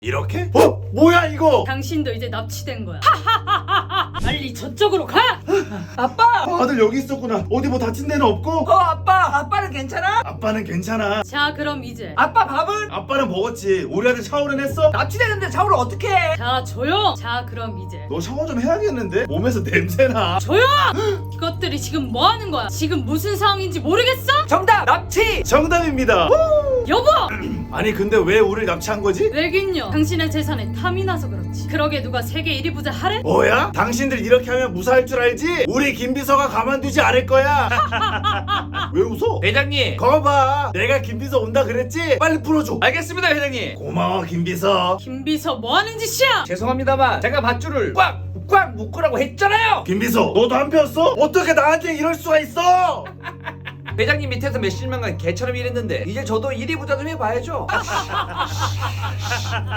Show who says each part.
Speaker 1: 이렇게? 뭐야 이거?
Speaker 2: 당신도 이제 납치된 거야. 빨리 저쪽으로 가!
Speaker 3: 아빠!
Speaker 1: 아들 여기 있었구나. 어디 뭐 다친 데는 없고?
Speaker 3: 아빠는 괜찮아?
Speaker 1: 아빠는 괜찮아.
Speaker 2: 자, 그럼 이제.
Speaker 3: 아빠 밥은?
Speaker 1: 아빠는 먹었지. 우리 아들 샤워는 했어?
Speaker 3: 납치되는데 샤워를 어떻게 해?
Speaker 2: 자, 조용! 자, 그럼 이제.
Speaker 1: 너 샤워 좀 해야겠는데? 몸에서 냄새나.
Speaker 2: 조용! 이것들이 지금 뭐 하는 거야? 지금 무슨 상황인지 모르겠어?
Speaker 3: 정답! 납치!
Speaker 1: 정답입니다.
Speaker 2: 여보!
Speaker 1: 아니 근데 왜 우리를 납치한 거지?
Speaker 2: 왜긴요? 당신의 재산에 탐이 나서 그렇지. 그러게 누가 세계 1위 부자 하래?
Speaker 1: 뭐야? 당신들 이렇게 하면 무사할 줄 알지? 우리 김비서가 가만두지 않을 거야. 왜 웃어?
Speaker 4: 회장님.
Speaker 1: 거봐, 내가 김비서 온다 그랬지? 빨리 풀어줘.
Speaker 4: 알겠습니다, 회장님.
Speaker 1: 고마워 김비서.
Speaker 2: 김비서 뭐 하는 짓이야?
Speaker 4: 죄송합니다만 제가 밧줄을 꽉 묶으라고 했잖아요.
Speaker 1: 김비서, 너도 안 폈어? 어떻게 나한테 이럴 수가 있어?
Speaker 4: 회장님 밑에서 몇십 년간 개처럼 일했는데 이제 저도 1위 부자 좀 해봐야죠.